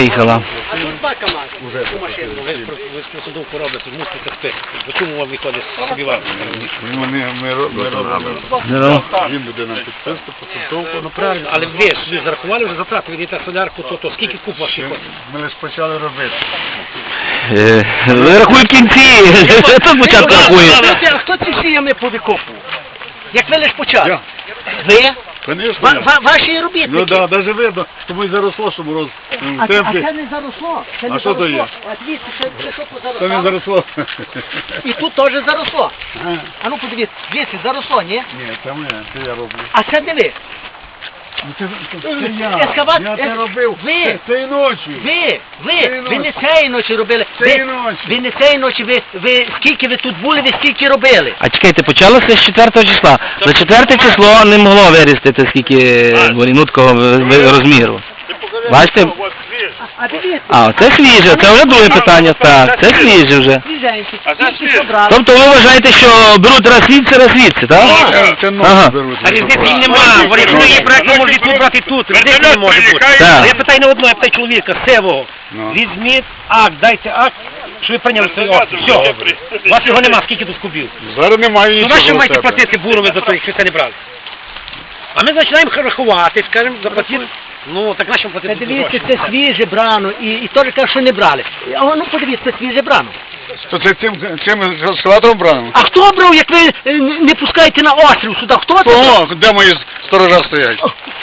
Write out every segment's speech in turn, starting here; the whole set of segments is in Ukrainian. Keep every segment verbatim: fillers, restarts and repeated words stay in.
приїхала. А тут два КАМАЗи. Цю машину. Ви з посадовку робите, мусите спити. До чому вам виходить собі вам? Ми робимо. Він буде нам підписати посадовку. Ну правильно, але ви собі зарахували вже затрати, ви йдете солярку, то, то скільки куб ваші коштів? Ми лише почали робити. Ви рахуй в кінці, хто спочатку рахує? А хто ці сіями повикопував? Як ви лише почали? Я. Ви? Конечно. Ва- ва- Ваші робітники? Ну так, да, навіть видно, тому і заросло, що мороз А, в а темпі. це не заросло. Це не А що то заросло. є? А дивіться, це, це що Це не позаросло? заросло. І тут теж заросло. Ага. А ну подивіться, дивіться, заросло, ні? Ні, це ми, це я роблю. А це не ви. Ну, Це, це, це я, Ескават- я це ес- робив. ви. Це- Цієї ночі. Ви, ви, Цієї ви не ночі. цієї ночі робили. Цієї Ви, ночі. ви не цієї ночі, ви, ви скільки ви тут були, ви скільки робили. А чекайте, почалося з четвертого числа. За четверте число не могло вирістити скільки бурінуткого розміру. Бачите? А дивіться. А, це свіже, це вже друге питання, так, це свіже вже. Свіженькі, А це скільки свіже. собрали. Тобто ви вважаєте, що беруть раз звідси, раз звідси, так? Це, це ночі Ага. беруть. А різниці нема, бо якщо є проєкт, може і тут брати і тут, різниці не може бути. Так. А я питаю не одного, я питаю чоловіка, сивого. Ну. Візьміть акт, дайте акт, що ви прийняли цей акт. Все. У вас його нема, скільки тут кубів. Зараз немає Ну нічого. на що в маєте тебе. платити бурове за те, якщо це не брали? А ми починаємо рахувати, скажемо, заплатити. Ну, так на що платити? Дивіться, це свіже брано, і, і теж кажуть, що не брали. А ну подивіться, це свіже брано. То це цим, цим ескалатором брали? А хто брав, як ви е, не пускаєте на острів сюди? Хто це? О, де мої сторожа стоять?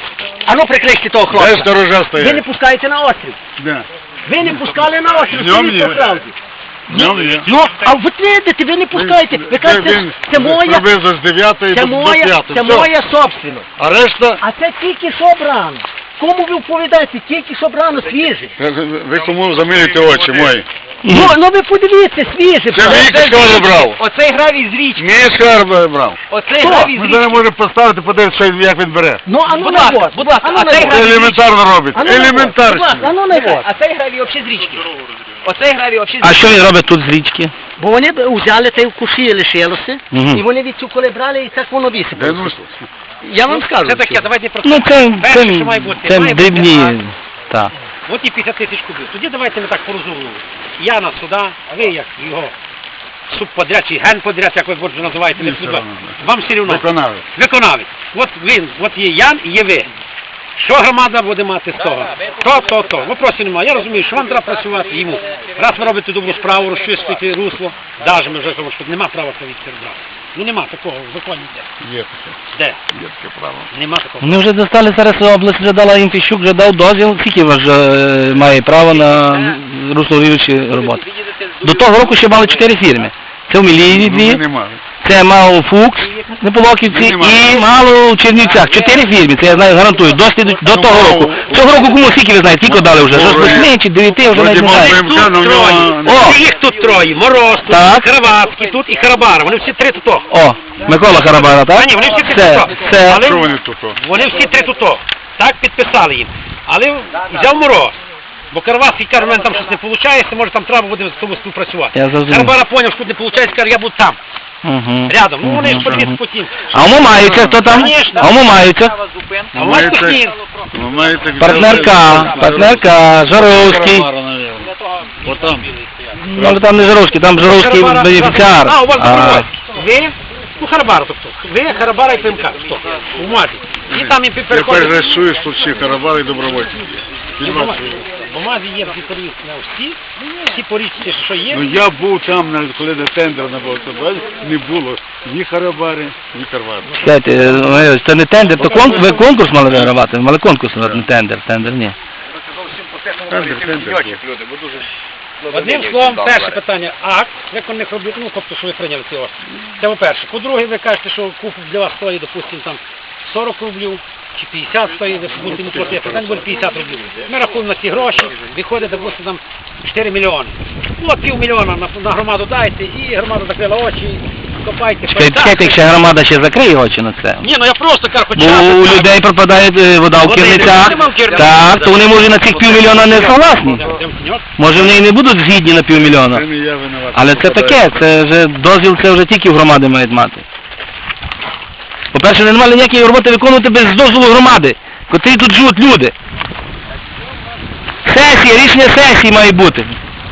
А ну прикрийте того Де хлопця. сторожа Ви не стоять? пускаєте на острів. Де? Ви не пускали на острів, Днем скажіть є. по правді. Днем є. Ну, а ви видите, ви не пускаєте. Ви кажете, Він це моя, Приблизно з дев'ятої це до, до моя, п'ятої. це Все. моя собственность. А решта, А це тільки що брано. Кому ви вповідаєте, тільки що брано свіже. ви- ви кому замилюєте очі мої? Ну, ну ви подивіться, свіже. Це брано. Віка сказали брав. Оцей гравій з річки. Мій скарб брав. Оцей Хто? гравій з Ми річки. зараз можемо поставити, подивитися, що він- як він бере. Ну, а ну Будь на ласка, вот. будь ласка, А ну а на цей вот. гравій- Елементарно робить. А ну на вот. Будь Елементарно. ласка, а ну на вот. А цей гравій взагалі з річки. Оцей гравій взагалі з А річки. що він робить тут з річки? Бо вони б взяли та й в куші лишилося, Мгм. і вони від цю коли брали, і так воно Де висипалося. ну, Я вам скажу. Це таке, давайте просто. Ну це, Перше, це, що має бути, це має бути дрібні, акт. так. От і п'ятдесят тисяч кубів. Тоді давайте ми так порозуміємо. Я на суда, а ви як його субподряд чи генподряд, як ви вже називаєте, не Ні, все судьба. одно. Вам все рівно. виконавець. Виконавець. От він, от є Ян і є ви. Що громада буде мати з того? То, то, то. Вопросів немає. Я розумію, що вам треба працювати йому. Раз ви робите добру справу, розчистуєте русло, навіть ми вже кажемо, що нема права це відтербрати. Ну нема такого в законі. Де? Є таке. Де? Є таке право. Нема такого. Вони вже достали, зараз область вже дала їм Фіщук, вже дав дозвіл, скільки вас вже е, має право на русловіючі роботи. До того року ще мали чотири фірми. Це в Міліїві Ну, ми дві, не мали. це мав Фукс на Полоківці Ми не мали. і мало в Чернівцях. Чотири фірми, це я знаю, гарантую, досвід до Ну, того мав- року. Цього року кому скільки ви знаєте, скільки дали вже? Що з восьми чи дев'яти, вже навіть Вроді не мав знаю. БМК, але в нього... О! Їх тут троє. Мороз тут, Так. Кравацький тут і Харабара. Вони всі три тут. О, Микола Харабара, так? А ні, вони всі три Це, тут. це, Але Що вони тут? о? вони всі три тут. Так підписали їм. Але взяв Мороз. Бо Карвацький каже, в мене там щось не виходить, може там треба буде з тобою співпрацювати. Я зрозумів. Харабара поняв, що тут не виходить, каже, я буду там, Угу. рядом. Ну вони ж Мгм, подивіться мгм. потім. А умомаються, хто там? Конечно. А умомаються. А у вас Маєте- Кухнін. ви маєте... Партнерка, партнерка, Жаровський. Отам. Ну, але там не Жаровський, там Жаровський Харабара- бенефіціар. А, у вас А, добровольці. Ви? Ну, Харабара, тобто. Ви, Харабара і ПМК. Хто? У Мазі. І там їм Я переходить. перерисую тут всі карабали і добровольці. Фільма свої. В бумазі є дітарів на всі, всі порічці, що є. Ну я був там, навіть коли на тендер на Болтобазі, не було ні Харабари, ні Карвари. Чекайте, е, це не тендер, то конкурс, ви конкурс мали вигравати, мали конкурс, не тендер, тендер, ні. Тендер, тендер. Одним словом, перше питання, акт, виконаних робіт, ну, тобто, що ви прийняли ці острів. Це по-перше. По-друге, ви кажете, що куп для вас стоїть, допустимо, там сорок рублів, чи п'ятдесят стоїть, ви будете не платити, питання буде п'ятдесят рублів. Ми рахуємо на ці гроші, виходить, допустимо, там чотири мільйони. Ну, от півмільйона на, на громаду дайте, і громада закрила очі, копайте. Чекайте, чекайте, якщо громада ще закриє очі на це. Ні, ну я просто кажу, хоч Бо у людей пропадає е, вода в Води керницях, нема в керницях. так, то вони може на цих півмільйона не согласні. Може вони і не будуть згідні на Це півмільйона. не я винуватий. Але це таке, це вже дозвіл, це вже тільки в громади мають мати. По-перше, не мали ніякої роботи виконувати без дозволу громади, котрі тут живуть люди. Сесія, рішення сесії має бути.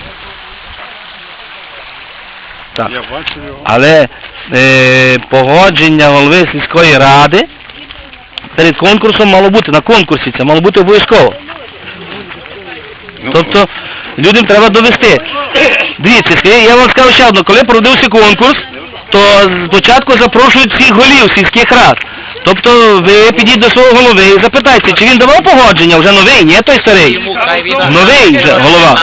Так. Я бачу його. Але е, погодження голови сільської ради перед конкурсом мало бути, на конкурсі це мало бути обов'язково. Ну, Тобто людям треба довести. Дивіться, я вам скажу ще одно, коли проводився конкурс, то спочатку запрошують всіх голів сільських рад. Тобто ви підіть до свого голови і запитайте, чи він давав погодження, вже новий, ні той старий. Новий вже голова.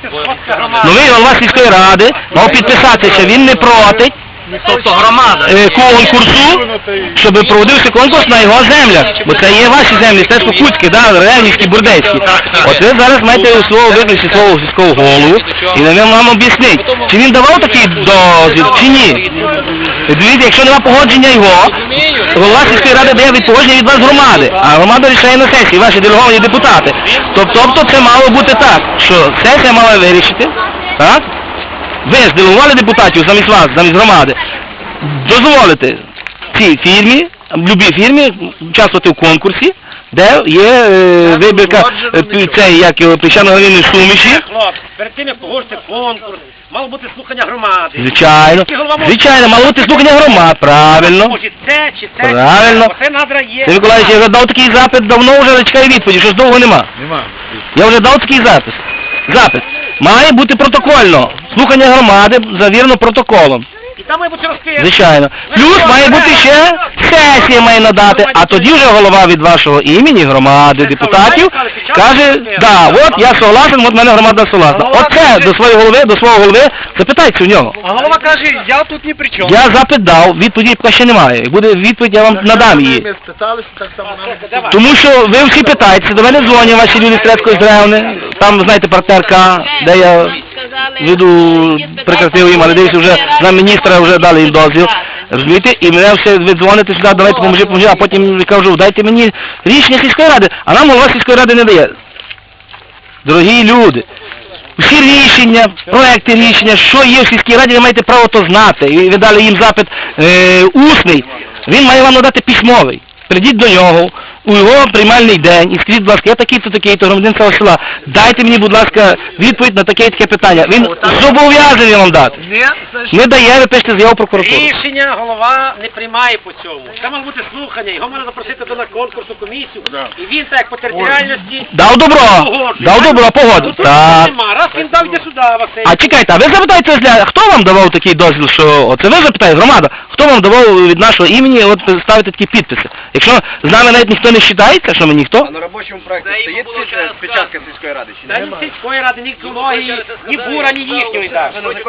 Новий голова сільської ради мав підписатися, він не проти. Тобто громада конкурсу, щоб проводився конкурс на його землях. Бо це є ваші землі, це Покутські, да, Ревнівські, Бурдейські. От ви зараз маєте свого викликати свого сільського голову і він вам об'яснить, чи він давав такий дозвіл, чи ні. Дивіться, якщо нема погодження його, голова сільської ради дає від погодження від вас громади, а громада рішає на сесії, ваші делеговані депутати. Тобто це мало бути так, що сесія мала вирішити, так? Ви ж делегували депутатів замість вас, замість громади, дозволити цій фірмі, любій фірмі, участвувати в конкурсі, де є е, вибірка е, цей, як його, піщано-глиняної суміші. Хлопці, перед тим, як погодити конкурс, мало бути слухання громади. Звичайно, звичайно, мало бути слухання громад, правильно. Може це, чи це, Правильно. Оце надра є. Сергій Миколаївич, я вже дав такий запит, давно вже чекаю відповіді, щось довго нема. Нема. Я вже дав такий запис. Запит. Має бути протокольно. Слухання громади завірено протоколом. І там має бути розкрито. Звичайно. Плюс має бути ще сесія має надати, а тоді вже голова від вашого імені, громади, депутатів, каже, да, от я согласен, от мене громада согласна. Оце до своєї голови, до свого голови, запитайте у нього. А голова каже, я тут ні при чому. Я запит дав, відповіді поки ще немає. Як буде відповідь, я вам надам її. Ми спиталися, так само нам. Тому що ви всі питаєтеся, до мене дзвонять ваші люди з Трецької Здревни, там, знаєте, партнерка, де я веду, прекратив їм, але дивіться, вже на міністра вже дали їм дозвіл, розумієте, і мене все, ви дзвоните сюди, давайте поможи, поможи, а потім я кажу, дайте мені рішення сільської ради, а нам голова сільської ради не дає. Дорогі люди, всі рішення, проекти рішення, що є в сільській раді, ви маєте право то знати, і ви дали їм запит е, усний, він має вам надати письмовий. Прийдіть до нього у його приймальний день і скажіть, будь ласка, я такий-то, такий-то громадянин цього села. Дайте мені, будь ласка, відповідь на таке таке питання. Він зобов'язаний вам дати. Не дає, ви пишете заяву в прокуратуру. Рішення голова не приймає по цьому. Там має бути слухання, його можна запросити до на конкурсну комісію, Да. і він так як по територіальності Дав добро, погоджує. дав добро, погодив. Ну, тут Так. нема. Раз він дав, йде сюди, Василь. А чекайте, а ви запитайте, Зля, хто вам давав такий дозвіл, що оце ви запитаєте, громада, хто вам давав від нашого імені от ставити такі підписи? Якщо з нами навіть ніхто не вважається, що ми ніхто, На робочому проєкті стоїть печатка сільської ради чи Та ні сільської ради, ні екології, ні бура, ні їхньої так.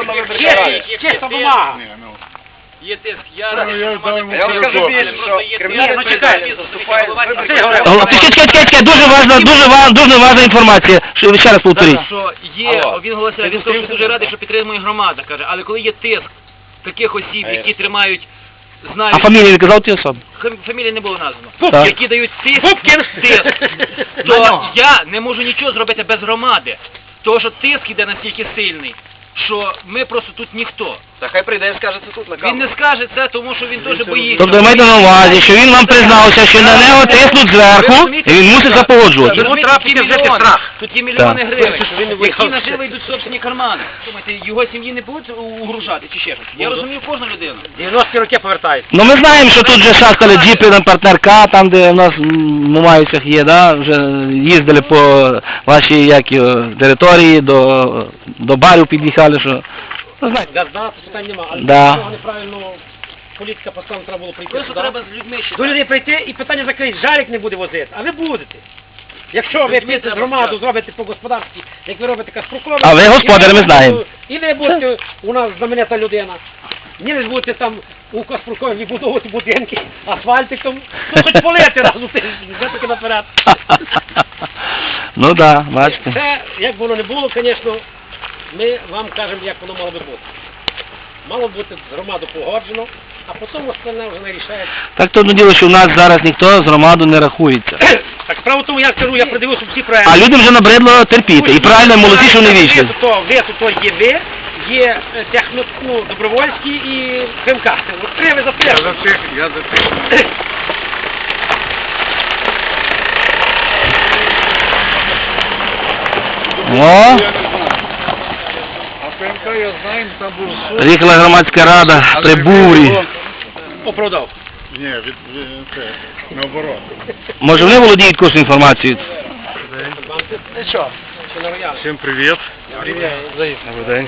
Чиста бумага. Ні, ну. Є тиск, я Ну, я дам йому Я вам скажу перекоп. більше, що Ні, кримінальна ну чекайте. вступає Василь Гаврилович, О, чекай, чекай, чекай, чекай, дуже важна, дуже важна, дуже важна інформація, що ви ще раз повторіть. що є, він голосує, він скаже, що дуже радий, що підтримує громада, каже, але коли є тиск таких осіб, які тримають, А знають, фамілії не казав ті особи? фам- фамілії не було названо, Так. які дають тиск, тиск, то я не можу нічого зробити без громади, тому що тиск іде настільки сильний, що ми просто тут ніхто. Та хай прийде і скаже це тут на Він не скаже це, тому що він теж боїться. Тобто ви маєте на увазі, що він вам признався, що на нього тиснуть зверху, і він мусить запогоджувати. Йому треба тут є піти взяти мільйони, страх. тут є мільйони Так. гривень, які наживо йдуть в собственні кармани. Думаєте, його сім'ї не будуть угрожати чи ще щось? Я розумію кожну людину. дев'яності роки повертаються. Ну ми знаємо, що тут вже шастали джіпи на партнерка, там де в нас в Мамаївцях є, да, вже їздили по вашій як його, території, до, до барів під'їхали, що... Ну, знаєте, Газда, питань нема, але Да. цього неправильно політика поставила, треба було прийти Просто сюди. треба з людьми ще. До людей прийти і питання закрити, жарик не буде возити, а ви будете. Якщо ви Людьми підете з треба громаду, вчасно. зробите по господарстві, як ви робите Каспрукові. А ви господарі, ми знаємо. І ви будете у нас знаменита людина. Ні, не будете там у Каспрукові відбудовувати будинки, асфальтиком, ну хоч полити раз у тиждень, вже таки наперед. Ну да, бачите. Це, як воно не було, звісно, ми вам кажемо, як воно мало би бути. Мало бути з громаду погоджено, а потім остальне вже не рішається. Так то одно діло, що в нас зараз ніхто з громаду не рахується. Так справа в тому, я кажу, я придивився всі проекти. А людям вже набридло терпіти. І правильно, молоді, що не вічні. Ви то, ви то є ви, є е, техно, ну, добровольські і ФМК. От три ви за Я три. за цих, я за цих. О, А ПМК, я знаю, там був суд. приїхала громадська рада при бурі. Оправдав. Ні, від, від, це, наоборот. Може вони володіють кожну інформацією? Ну що? Що на роялі? Всім привіт. Привіт. Добрий день.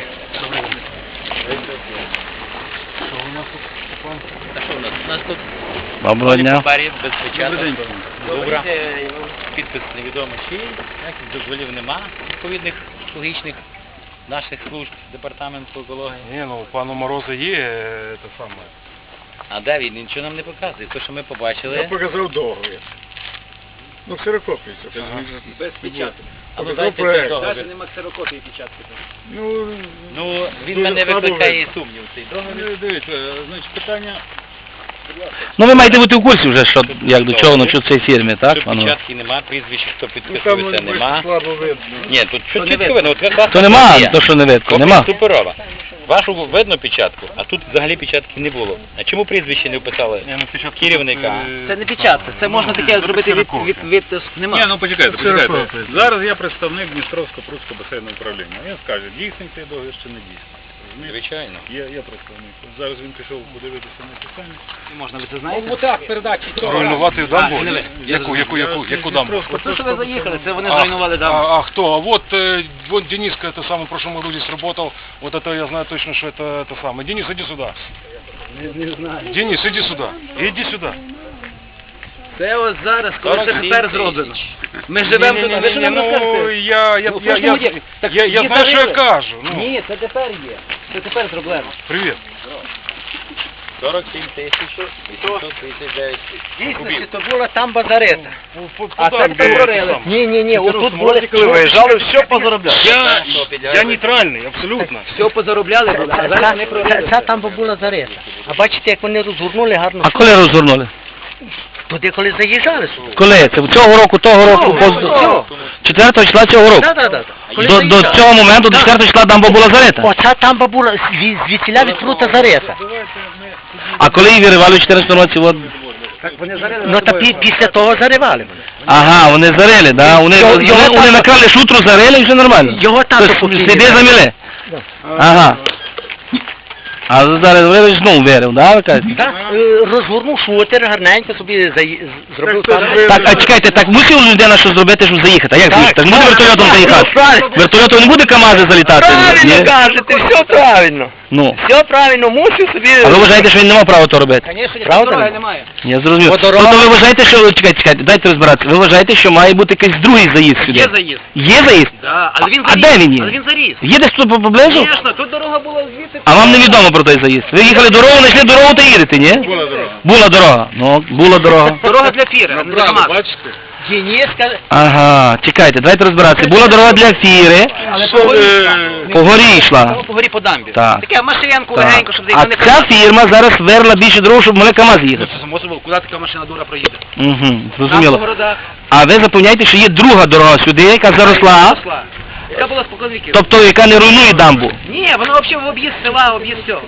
Та що у нас? У нас тут Доброго дня. папері без печаток. Добре. Підпис невідомо чий, ніяких дозволів нема відповідних логічних наших служб департаменту екології. Ні, ну у пана Мороза є е, те саме. А де він? Нічого нам не показує. Те, що ми Я побачили. показав договір. Ну, ксерокопію. це Ага. Без печатки. А ну Показав дайте проект. цей Навіть договір. нема ксерокопії печатки. Ну, Ну, він дуже мене слабо викликає видно. сумнів цей договір. Ну, дивіться, значить, питання... Ну ви маєте бути в курсі вже, що, як до чого, ну що в цій фірмі, так? Тут пану? печатки нема, прізвище, хто Ну, там підписується, нема. слабо видно. Ні, тут що не чітко видно. видно. От якраз То нема, є. то що не видно, Копія нема. суперова. Вашу видно печатку, а тут взагалі печатки не було. А чому прізвище не вписали? Ні, ну, спочатку Керівника. тут, е, Це не печатка, це можна таке зробити від, від, від, від нема. Ні, ну почекайте, почекайте. Зараз я представник Дністровсько-Прудського басейного управління. Він скаже, дійсний цей договір чи не дійсний. Розумієте? Звичайно. Є, є представник. Зараз він пішов подивитися на питання. Можна, ви це знаєте? Ну так, передачі. Руйнувати дамбу? А, не ви. Яку, яку, яку, яку дамбу? Те, що ви заїхали, це вони А, зруйнували дамбу. А, а кто? А вот, э, вот Дениска, это самый в прошлом году здесь работал. Вот это я знаю точно, что это, это самое. Денис, иди сюда. Не, не знаю. Денис, иди сюда. Иди сюда. Це ось зараз, коли це сорок сім тепер зроблено. Ми живемо тут, а ви що Не-не-не, нам ну, розкажете? я, я, Ну, я, я, слушайте, так я, я її знаю, что я зарили. кажу. Ну, Ні, це тепер є. Це тепер зроблено. привет. сорок сім тисяч вісімсот тридцять дев'ять Дійсно, кубів. то була там базарета. По- по А це дамбе тепер это прорили. самое. Ні, ні, ні, отут були. Коли виїжджали, все позаробляли. Я, я нейтральный, абсолютно. Все позаробляли, були, а зараз не прорили. Ця там була зарета. А бачите, як вони розгорнули гарно. А коли розгорнули? Туди, коли заїжджали сюди. Коли? Це цього року, того року, Цього. четвертого числа цього року. Так, так, так. До, до цього моменту, до четвертого числа дамба була зарита. Оця тамба була зві- звідсіля відкрута зарета. А коли її виривали в чотирнадцятому році, от... Ну та пі- після того заривали. Ага, вони зарили, да? Вони, Його- вони, його вони тато- накрали шутру, зарили і все нормально. Його тато Тобто покійний. сліди заміли. Ага. А зараз ви знову вирив, да, ви кажете? Так, е, розгорнув шутер, гарненько собі заї- з- зробив Так, там. це ж Так, а чекайте, так мусив людина щось зробити, щоб заїхати? А як Так, заїхати? Так буде так, вертольотом так, заїхати? правильно. Вертольотом не буде КАМАЗи залітати? Правильно Ні? кажете, все правильно. Ну. Все правильно, мусив собі... А ви вважаєте, що він не мав права то робити? Звісно, правда немає. Я зрозумів. Бо дорога- Тобто ви вважаєте, що... Чекайте, чекайте, дайте розбиратися. Ви вважаєте, що має бути якийсь другий заїзд сюди? Є заїзд. Є заїзд? Да, але він А заріс. де він є? Але він заріс. Є десь тут поблизу? Звісно, тут дорога була звідти. А вам невідомо про той заїзд? Ви їхали дорогу, знайшли дорогу та їдете, ні? Була дорога. Була дорога. Ну, була дорога. Дорога для фіри, а не для Набрали, КамАЗа. бачите? Дениска, Ага, чекайте, давайте розбиратися. Була дорога для фіри, але Що, по горі. е, по горі йшла. По горі по дамбі. Так. Таке машинку Так. легенько, щоб А заїхати не ця казати. фірма зараз верла більше дорогу, щоб могли КАМАЗ їхати. Це само собою, куди така машина дура проїде? Угу, Там по зрозуміло. городах. А ви запевняєте, що є друга дорога сюди, яка заросла, Росла. Яка була спокон віків. тобто яка не руйнує дамбу. Ні, вона взагалі в об'їзд села, в об'їзд всього.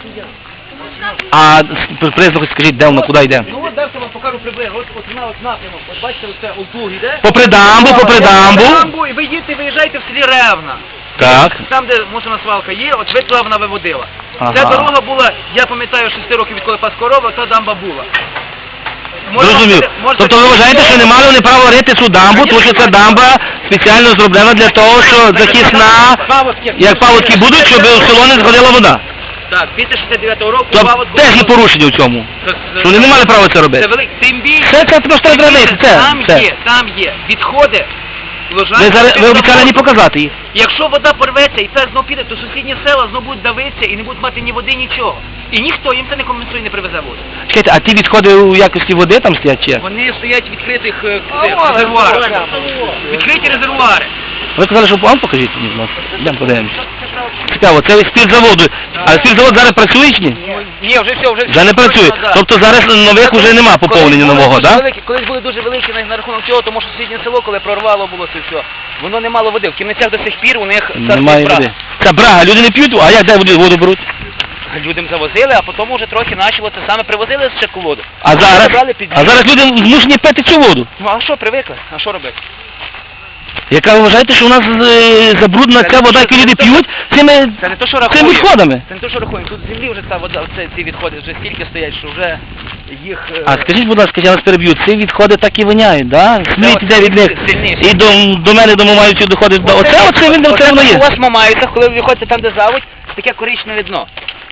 А с- приблизно хоч скажіть, де вона, куди йде? Ну от далі вам покажу приблизно. От, от вона от напрямок. От бачите, оце Олдуг іде. Попри дамбу, попри дамбу. Дамбу, і ви їдете, виїжджаєте в селі Ревна. Так. Там, де мусорна свалка є, от ви туди вона виводила. Ага. Ця дорога була, я пам'ятаю, шести років відколи пас корова, та дамба була. Зрозумів. можна- Тобто ви вважаєте, що не мали вони права рити цю дамбу, тому що ця дамба спеціально зроблена для того, що захисна, як паводки будуть, щоб у село не згодила вода. Так, після шістдесят дев'ятого року Тобто паводку- теж є порушення в цьому. Це- це- Що вони не мали права це Це робити. велик, тим більше. Це, це просто тим треба більше, рити, це, Там це. є, там є відходи. Лежать Ви, зараз, під ви обіцяли не заводом. показати їх. Якщо вода порветься і це знов піде, то сусідні села знов будуть давитися і не будуть мати ні води, нічого. І ніхто їм це не компенсує, не привезе воду. Чекайте, а ті відходи у якості води там стоять чи як? Вони стоять в відкритих е, цих резервуарах. Відкриті резервуари. Ви казали, що вам покажіть мені, будь ласка. Йдемо подивимося. Цікаво, це спіртзаводу. А спіртзавод зараз працює чи ні? Ні, вже все, вже Вже не працює. Да. Тобто зараз нових уже нема поповнення Колись були нового, дуже так? великі- Колись були дуже великі на, на рахунок цього, тому що сусіднє село, коли прорвало було це все, воно не мало води. В Кімницях до сих пір у них Немає брак. води. Це брага, люди не п'ють, а як де воду, воду беруть? Людям завозили, а потім вже трохи почало це саме привозили з воду. А зараз, Забрали під а зараз люди змушені пити цю воду. Ну а що, привикли? А що робити? Яка ви вважаєте, що у нас е, забруднена ця вода, яку люди п'ють, цими, Це не то, що цими рахуємо. відходами? Це не то, що рахуємо. Тут з землі вже ця вода, оце, ці відходи вже стільки стоять, що вже їх... е, А скажіть, будь ласка, я вас переб'ю, ці відходи так і воняють, да? Сміть от іде від них. сильніше. І до, до мене дома мають ці доходи. Оце, оце, він, оце воно У є. вас мамаються, коли ви виходите там, де заводь, таке коричневе дно.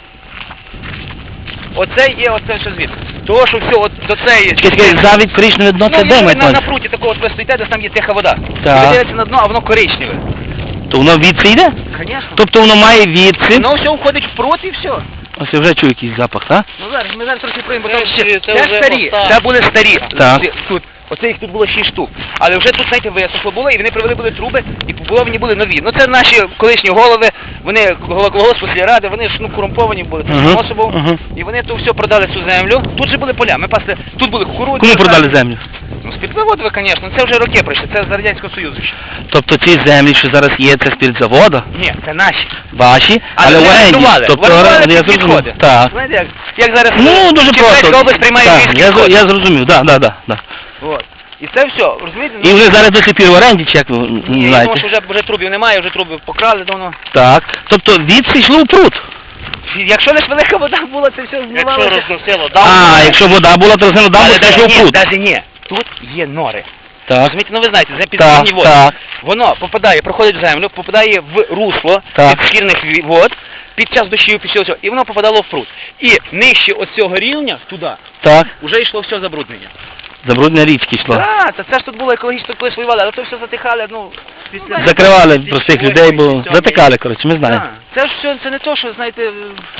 Оце є, оце що звідси. Того, що все, от до цієї... Чекай, чекай, завідь коричневе дно, це Ну, де є мають на, на на пруті такого, от ви стоїте, де там є тиха вода. Так. Ви дивитеся на дно, а воно коричневе. То воно відси йде? Звісно. Тобто воно має відси. Воно все входить в прут і все. Ось я вже чую якийсь запах, так? Ну зараз, ми зараз трохи приймемо, бо там Це ще... вже Це старі, оста. це були старі. Так. Ці- Тут. Оце їх тут було шість штук. Але вже тут, знаєте, висохло було, і вони привели були труби, і побудовані були нові. Ну це наші колишні голови, вони голос ради, вони ж ну корумповані були Ага, способом, ага. і вони то все продали цю землю. Тут же були поля, ми пасли, тут були кукурудзи. Кому продали землю? Ну, спиртзаводове, звісно, це вже роки пройшли, це з Радянського Союзу ще. Тобто ці землі, що зараз є, це спиртзавода, Ні, це наші. ваші, але Але в вони оренді. орендували, Тобто, орендували оренді, я під зрозумів. відходи. Так. Знаєте, як, як зараз Ну, дуже Черкаська просто. область приймає Так, львівські я, відходи. я зрозумів, так, так, так. Да. От. І це все, розумієте? І вони зараз до сих пір в оренді, чи як ви Ні, я думаю, знаєте? що вже, вже трубів немає, вже труби покрали давно. Так. Тобто відси йшло в пруд. Якщо лише велика вода була, це все змивалося. Якщо розносило, А, якщо вода була, то рознено дамбу, це йшло в ні, пруд. навіть ні. Тут є нори. Так. Розумієте, ну ви знаєте, це Так, підземні води. так. Воно попадає, проходить в землю, попадає в русло Так. підшкірних ві- вод, під час дощів, під час цього, і воно попадало в пруд. І нижче оцього рівня, туди, Так. вже йшло все забруднення. Забруднення річки йшло. Так, та це ж тут було екологічно колись воювали, але то все затихали, ну, після... Закривали простих людей, бо затикали, коротше, ми знаємо. Так, це ж все, це не то, що, знаєте, е,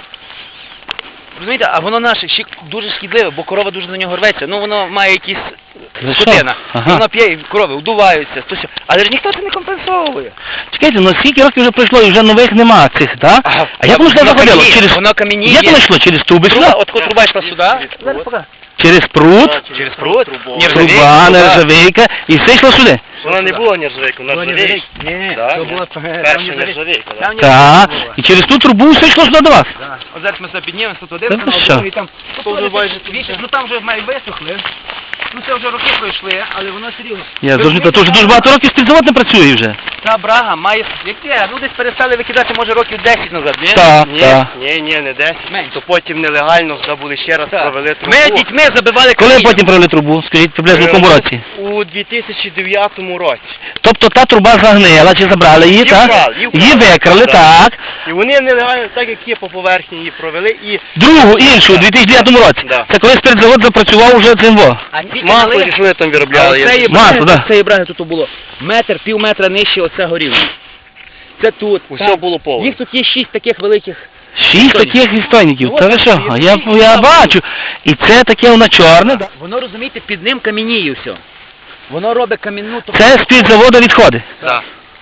розумієте, а воно наше ще дуже шкідливе, бо корова дуже на нього рветься, ну воно має якісь За що? скотина, Ага. і воно п'є, і корови вдуваються, то що. Але ж ніхто це не компенсовує. Чекайте, ну скільки років вже пройшло і вже нових нема цих, так? Ага. А як воно сюди заходило? кам'яніє, Через... воно кам'яніє. Як воно йшло? Через труби йшло? Труба, от коли труба йшла сюди, зараз покажу. Через пруд, Через пруд, труба, нержавейка, і все йшло сюди. Вона не була нержавейка, вона нержавейка. Ні, Так? то була Перша нержавейка, так? Так, і через ту трубу все йшло сюди до вас. От зараз ми себе піднімемо, тут один Та канал, ви що? другий там. То вже майже тут Вічно, ну там вже май висохли. Ну це вже роки пройшли, але воно все рівно. Я зрозумів, то вже дуже багато років співзавод не працює вже. Та брага має... Яке? Ну десь перестали викидати, може, років десять назад, ні? Так, Ні, так. ні, ні, не десять. Менше. То потім нелегально забули ще раз Так. провели трубу. Ми дітьми забивали Коли каміння. потім провели трубу? Скажіть, приблизно в якому році? У дві тисячі дев'ятому році. Тобто та труба загнила, чи забрали її, Її так? вкрали, її вкрали. Її викрали, так. І вони нелегально, так як є по поверхні, її провели і Другу, іншу, у дві тисячі дев'ятому році. Да. Це коли спиртзавод запрацював уже цим во. А ті масло, канали- що вони там А виробляли. оцеї є. Масло, браги, да. оцеї браги тут було метр, пів метра нижче оцього рівня. Це тут. Усе там. було повно. Їх тут є шість таких великих. Шість таких відстойників. Ну, Та от ви так, що? і- Я, і- я і- бачу. І це таке воно чорне. да? Воно, розумієте, під ним кам'яніє все. Воно робить камінну... то- Це спиртзаводу відходи. Так.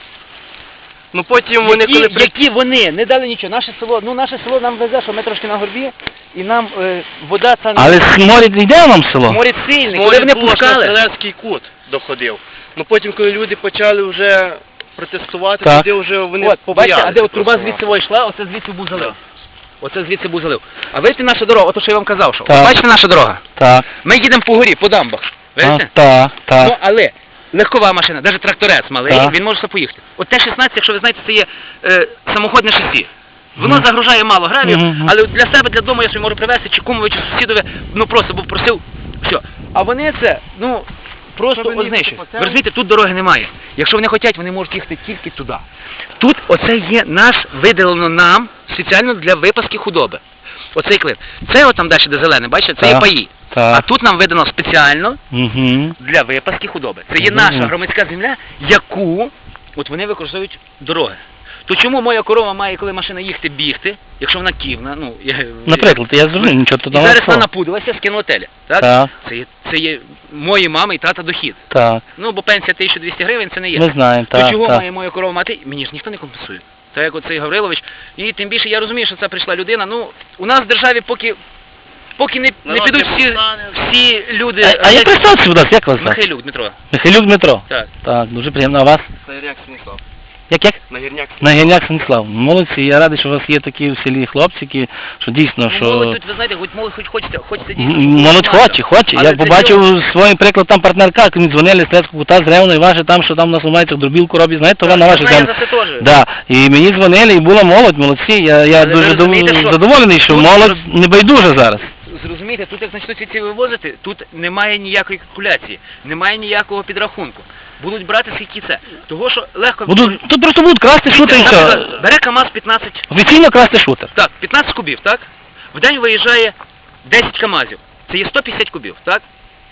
Ну потім вони які, коли при... які вони не дали нічого. Наше село, ну наше село нам везе, що ми трошки на горбі, і нам е, вода та Але сморід не йде вам в село? море сильне. Коли Коли вони було, що на пускали, Стрілецький кут доходив. Ну потім, коли люди почали вже протестувати, Так. тоді вже вони от, побачите, побоялися а де от труба просто. звідси во йшла, оце звідси був залив. Оце звідси був залив. А видите наша дорога, ото що я вам казав, що. Так. Бачите наша дорога? Так. Ми їдемо по горі, по дамбах. А, Видите? так, Ну, так. але легкова машина, навіть тракторець малий, Так. він може все поїхати. От Т шістнадцять, якщо ви знаєте, це є е, самоходне шасі. Воно Мгм. загружає мало гравію, Мгм. але для себе, для дому я собі можу привезти, чи кумові, чи сусідові, ну просто був просив, все. А вони це, ну, просто Щоб вони знищують. їхали по Ви цьому? розумієте, тут дороги немає. Якщо вони хочуть, вони можуть їхати тільки туди. Тут оце є наш, виділено нам, спеціально для випаски худоби. Оцей клин. Це от там далі, де зелене, бачите, це є Так. паї. А Так. тут нам видано спеціально Угу. для випаски худоби. Це є Мгм. наша громадська земля, яку от вони використовують дороги. То чому моя корова має, коли машина їхати, бігти, якщо вона ківна, ну, я, Наприклад, я зрозумів, нічого і тут зараз не вона напудилася, скинула теля. Так? Так, Це, є, це є мої мами і тата дохід. так. Ну, бо пенсія тисяча двісті гривень це не є. Ми знаємо, То так, чого так. має моя корова мати? Мені ж ніхто не компенсує. Так як оцей Гаврилович. І тим більше я розумію, що це прийшла людина. Ну, у нас в державі поки, поки не, не Народ підуть не всі, повстане. всі люди... А, а як представтеся, будь ласка, як вас звати? Михайлюк Дмитро. Михайлюк Дмитро. Так. Так, дуже приємно. А вас? Це як Станіслав. Як, як? Нагірняк. Нагірняк Станіслав. Молодці, я радий, що у вас є такі в селі хлопці, які, що дійсно, що... Ну, молодь тут, ви знаєте, хоч молодь хоч хочете, хочете дійсно. М, Молодь хоче, хоче. Але Я для побачив цього- своїм приклад там партнерка, як мені дзвонили з Лецького кута, з Ревно, і ваше там, що там у нас ламається, дробілку роблять, знаєте, то Так, на я ваших знаю землях. за це теж. Да. І мені дзвонили, і була молодь, молодці. Я, я Але ви дуже задов- розумієте, що задоволений, що тут- молодь не байдужа зараз. Зрозумієте, тут як почнуть ці вивозити, тут немає ніякої калькуляції, немає ніякого підрахунку. Будуть брати скільки це. Того, що легко... Будуть, тут просто будуть красти шутер і все. Наприклад, бере КАМАЗ п'ятнадцять, Офіційно красти шутер. так, п'ятнадцять кубів, так? В день виїжджає десять КАМАЗів. Це є сто п'ятдесят кубів, так?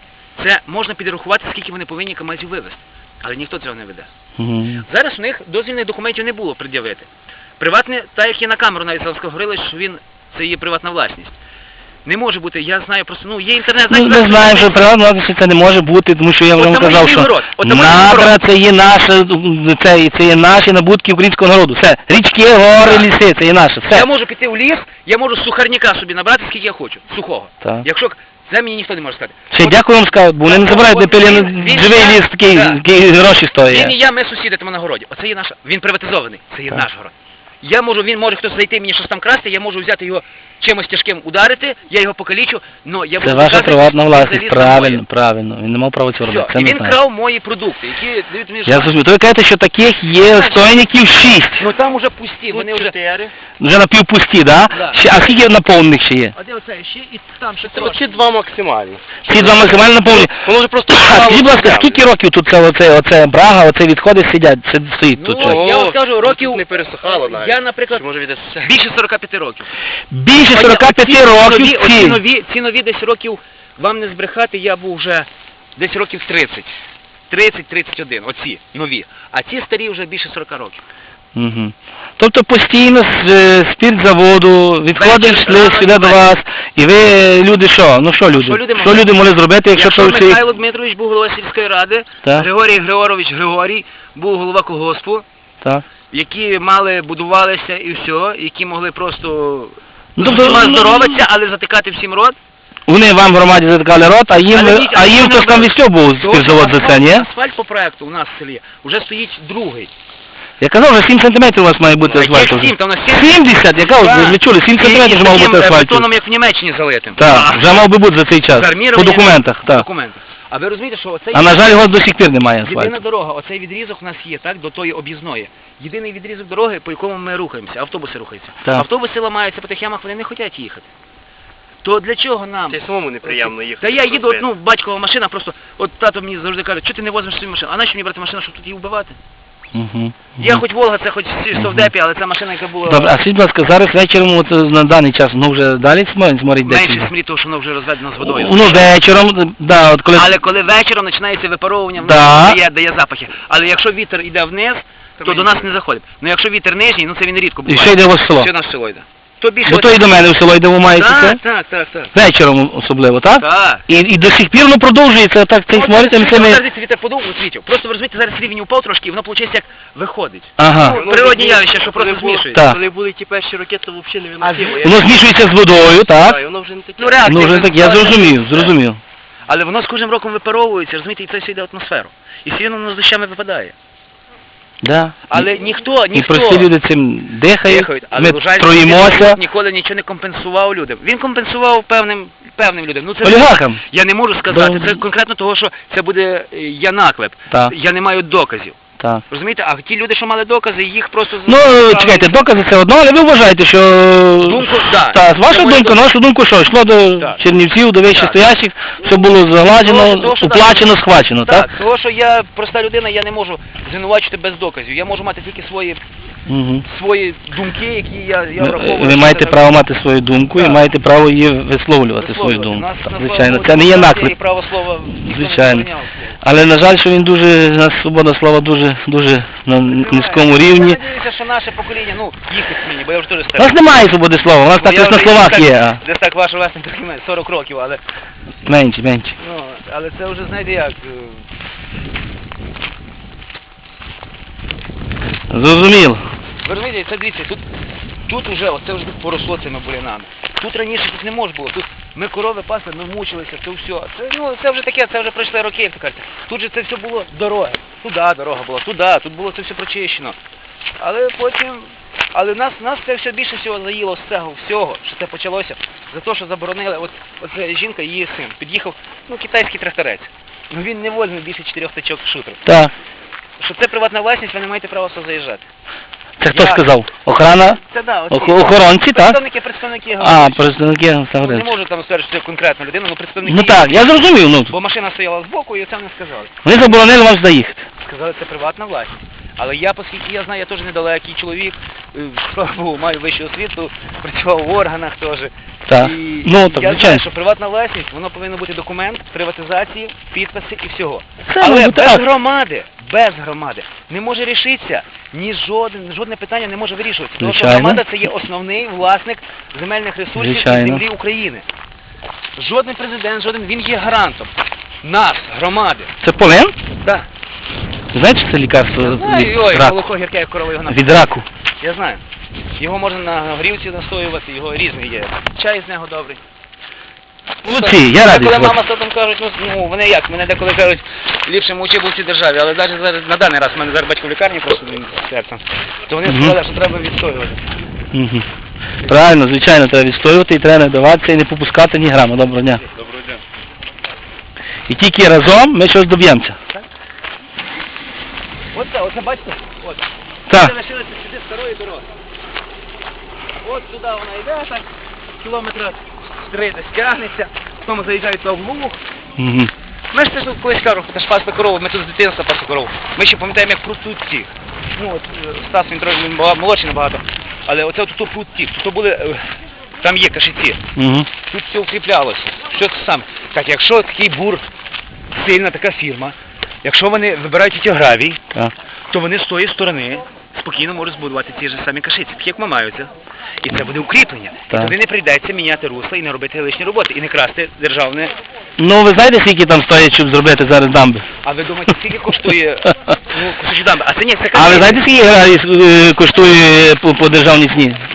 Це можна підрахувати, скільки вони повинні КАМАЗів вивезти. Але ніхто цього не веде. Мгм. Зараз у них дозвільних документів не було пред'явити. Приватне, так як і на камеру навіть зараз говорили, що він, це є приватна власність. Не може бути, я знаю просто, ну є інтернет, Ну, знаєте, ми знаємо, що приватна власність це не може бути, тому що я От вам там казав, і що город, от там і надра город. це є наше, це, це є наші набутки українського народу. Все, річки, гори, Так. ліси, це є наше. Все. я можу піти в ліс, я можу сухарняка собі набрати, скільки я хочу, сухого. Так. Якщо це мені ніхто не може сказати. Ще От дякую вам скажу, бо вони не Так, забирають, от де пилі він- він живий я- ліс, такий, так. такий гроші стоїть. Він і я, ми сусіди там на городі. Оце є наша. Він приватизований. Це є Так. наш город. Я можу, він може хтось зайти мені щось там красти, я можу взяти його чимось тяжким ударити, я його покалічу, но я буду Це ваша доказувати, приватна що власність, це ліс правильно, моє. правильно. Він не мав права цього Все. робити, це І не він знаю. крав мої продукти, які дають мені Я зрозумів. То ви кажете, що таких є стойників шість. Ну там уже пусті, вони вже... Вже напівпусті, да? Да. Ще, а скільки наповнених ще є? А де оце ще і там ще Це оці два максимально. Всі два максимально наповнені. Воно вже просто... А скажіть, будь ласка, скільки років тут це, оце, оце брага, оце відходи сидять, це стоїть тут? Ну, щось? я вам скажу, років... Не пересохало навіть. Я, наприклад, Чи може від більше сорок п'ять років. Більше Оці- сорок п'ять оці років нові, оці ці. нові, ці нові десь років, вам не збрехати, я був вже десь років тридцять. тридцять тридцять один, оці нові. А ці старі вже більше сорок років. Угу. Тобто постійно з е, спіртзаводу відходи Вечір, йшли рано, сюди до вечір. вас, і ви, люди, що? Ну що люди? що люди Що могли? люди могли зробити, якщо, Якщо то всі... Михайло Дмитрович був голова сільської ради, Так. Григорій Григорович Григорій був голова колгоспу, Так. які мали, будувалися і все, які могли просто Ну, ну, тобто, ну, здоровитися, але затикати всім рот. Вони вам в громаді затикали рот, а їм, Але ні, а їм але хтось там вони- відстьобував Тому що спіртзавод за це, ні? асфальт- Асфальт по проекту у нас в селі вже стоїть другий. Я казав, вже сім сантиметрів у вас має бути Яких асфальту. сім? Та у нас сім- сімдесят, яка от, ви чули, сім сантиметрів вже мав бути асфальту. бетоном, як в Німеччині залитим. Так, вже мав би бути за цей час. З армірованням, По документах, по так. документах. А ви розумієте, що оцей А на жаль, його до сих пір немає єдина асфальту. дорога, оцей відрізок у нас є, так, до тої об'їзної. Єдиний відрізок дороги, по якому ми рухаємося, автобуси рухаються. Так. Автобуси ламаються по тих ямах, вони не хочуть їхати. То для чого нам? Це самому неприємно їхати. Та я їду, от, ну, батькова машина, просто, от тато мені завжди каже, чого ти не возьмеш свою машину? А нащо мені брати машину, щоб тут її вбивати? Угу. Я хоч Волга, це хоч всі в Совдепі, але ця машина, яка була Добре, а скажіть, будь ласка, зараз вечором, от, на даний час, ну вже далі сморить, сморить менше десь? смрі, тому що воно вже розведено з водою. Ну вечором, да, от коли... Але коли вечором починається випаровування, воно Да. дає, дає запахи. Але якщо вітер йде вниз, то до нас не заходить. Ну якщо вітер нижній, ну це він рідко І буває. ще йде у вас в село? Все наше село йде. То більше... Бо то і до мене в село йде, ви маєте це? Так, так, так, так. Вечором особливо, так? Так. І, і до сих пір ну, продовжується так цей сморить, От, а цими... зараз вітер подув, от світів. Просто ви розумієте, зараз рівень упав трошки, і воно виходить як виходить. Ага. Ну, природні явища, що просто змішується. Так. Коли були ті перші ракети, то взагалі не А виносимо. Воно змішується з водою, так? Так, і воно вже не таке. Ну, реакція. Ну вже так, я зрозумів, зрозумів. Але воно з кожним роком випаровується, розумієте, і це все йде в атмосферу. І все воно з дощами випадає. Да. Але ніхто, І ніхто... прості люди цим дихають, Дихають, але ми Лужанський троїмося. Лужанський ніколи нічого не компенсував людям. Він компенсував певним, певним людям. Ну, це Олігархам. я не можу сказати. Да. Це конкретно того, що це буде е, я наклеп. Так. Я не маю доказів. Так. Розумієте? А ті люди, що мали докази, їх просто... Ну, чекайте, докази це одно, але ви вважаєте, що... Думку, да. Так, ваша Це моя думка, на вашу думку, що йшло до Так. Чернівців, до вище Так. стоящих, все було загладжено, Того, того, що уплачено, так. схвачено, так? Так, того, що я проста людина, я не можу звинувачити без доказів. Я можу мати тільки свої, Угу. свої думки, які я, я Ви, враховую. ви що маєте це- право мати свою думку і Так. маєте право її висловлювати, свою висловлювати. думку. Нас, Так, на звичайно, слава це не є Богу, наклеп. і право слова ніхто не Звичайно. забороняв. Але, на жаль, що він дуже, у нас свобода слова дуже, дуже на низькому рівні. Я надіюся, що наше покоління, ну, їхнє мені, бо я вже теж У старий. нас немає свободи слова, у нас Бо так я лише на вже словах так- є, а Десь так ваше власне трохи менше, сорок років, але, менше, менше. ну, але це вже, знаєте як, е, Зрозуміло. ви розумієте, це дивіться, тут, тут уже, оце вже тут поросло цими бурянами. Тут раніше тут не можна було, тут ми корови пасли, ми мучилися, це все. Це, ну, це вже таке, це вже пройшли роки, як то кажуть. Тут же це все було дороги. Туди дорога була, туди, тут було це все прочищено. Але потім, але нас, нас це все більше всього заїло з цього всього, що це почалося, за те, що заборонили, от, от ця жінка, її син, під'їхав, ну, китайський тракторець, ну він не вольний більше чотирьох тачок шутер. Так. Що це приватна власність, ви не маєте права сюди заїжджати. Це хто Я- сказав? Охрана? Це да, оці, Ох- охоронці, так? представники, представники, А, говорять. представники Ну, не Ставринського. можу там сказати, що це конкретна людина, але представники. Ну так, я зрозумів, ну. Бо машина стояла збоку і це не сказали. Вони заборонили вам сюди їхати. Сказали, це приватна власність. Але я, оскільки я знаю, я теж недалекий чоловік, е, слава Богу, маю вищу освіту, працював в органах теж. Так. І Ну, так, я звичайно. знаю, що приватна власність, воно повинно бути документ приватизації, підписи і всього. Це Але має бути без акт. громади, без громади не може рішитися, ні жоден, жодне питання не може вирішуватися. Тому що Звичайно. громада це є основний власник земельних ресурсів Звичайно. і землі України. Жоден президент, жоден, він є гарантом. Нас, громади. Це полин? Так. Знаєте, що це лікарство Ой, від ой, раку? молоко гірке, як корова його Від раку. Я знаю. Його можна на горілці настоювати, його різний є. Чай з нього добрий. Молодці, я радий Коли з вас. мама з татом кажуть, ну, ну вони як, мене деколи кажуть, ліпше мовчи був в цій державі, але навіть зараз, на даний раз, в мене зараз батько в лікарні просто він з серцем, то вони Мгм. сказали, що треба відстоювати. Мгм. Правильно, звичайно, треба відстоювати і треба не даватися і не попускати ні грама. Доброго дня. Доброго дня. І тільки разом ми щось доб'ємося. Оце, оце бачите? От. Так. Це лишилося сюди старої дороги. От туди вона йде, так, кілометра три десь тягнеться, потім заїжджають на Луг. Мгм. Ми ж це тут колись кажу, це ж пасли корову, ми тут з дитинства пасли корову. Ми ще пам'ятаємо, як прут ці. Ну, от е, Стас, він трохи він бага- молодший набагато. Але оце тут прут ті, тут були, е, там є кашиці. Мгм. Тут все укріплялося. Що це саме? Так, якщо такий бур, сильна така фірма, якщо вони вибирають ті гравій, Так. то вони з тої сторони спокійно можуть збудувати ті ж самі кашиці, такі як мамаються. І це буде укріплення. І Так. туди не прийдеться міняти русла і не робити лишні роботи, і не красти державне. Ну, ви знаєте, скільки там стоїть, щоб зробити зараз дамби? А ви думаєте, скільки коштує ну, кусочок дамби? А це ні, це А ви кашиці. знаєте, скільки гравій е, коштує по, по державній ціні?